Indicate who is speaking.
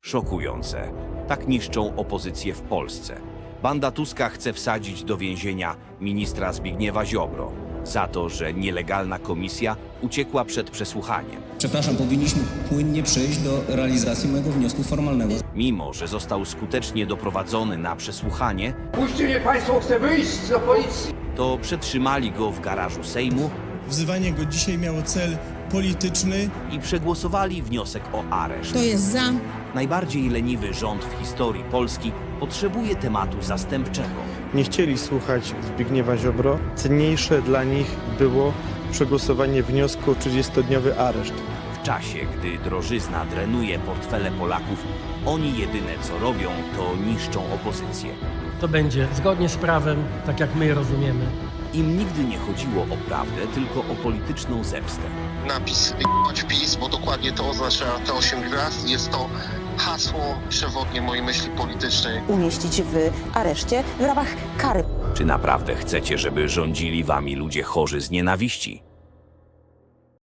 Speaker 1: Szokujące. Tak niszczą opozycję w Polsce. Banda Tuska chce wsadzić do więzienia ministra Zbigniewa Ziobro za to, że nielegalna komisja uciekła przed przesłuchaniem.
Speaker 2: Przepraszam, powinniśmy płynnie przejść do realizacji mojego wniosku formalnego.
Speaker 1: Mimo że został skutecznie doprowadzony na przesłuchanie,
Speaker 3: Puśćcie mnie państwo, chcę wyjść do policji.
Speaker 1: to przetrzymali go w garażu Sejmu
Speaker 4: Wzywanie go dzisiaj miało cel polityczny.
Speaker 1: i przegłosowali wniosek o areszt.
Speaker 5: Kto jest za?
Speaker 1: Najbardziej leniwy rząd w historii Polski potrzebuje tematu zastępczego.
Speaker 6: Nie chcieli słuchać Zbigniewa Ziobro. Cenniejsze dla nich było przegłosowanie wniosku o 30-dniowy areszt.
Speaker 1: W czasie, gdy drożyzna drenuje portfele Polaków, oni jedyne co robią, to niszczą opozycję.
Speaker 7: To będzie zgodnie z prawem, tak jak my je rozumiemy.
Speaker 1: Im nigdy nie chodziło o prawdę, tylko o polityczną zemstę.
Speaker 8: Napis "jebać PiS", bo dokładnie to oznacza te 8 gwiazd. Jest to hasło przewodnie mojej myśli politycznej.
Speaker 9: Umieścić w areszcie w ramach kary.
Speaker 1: Czy naprawdę chcecie, żeby rządzili wami ludzie chorzy z nienawiści?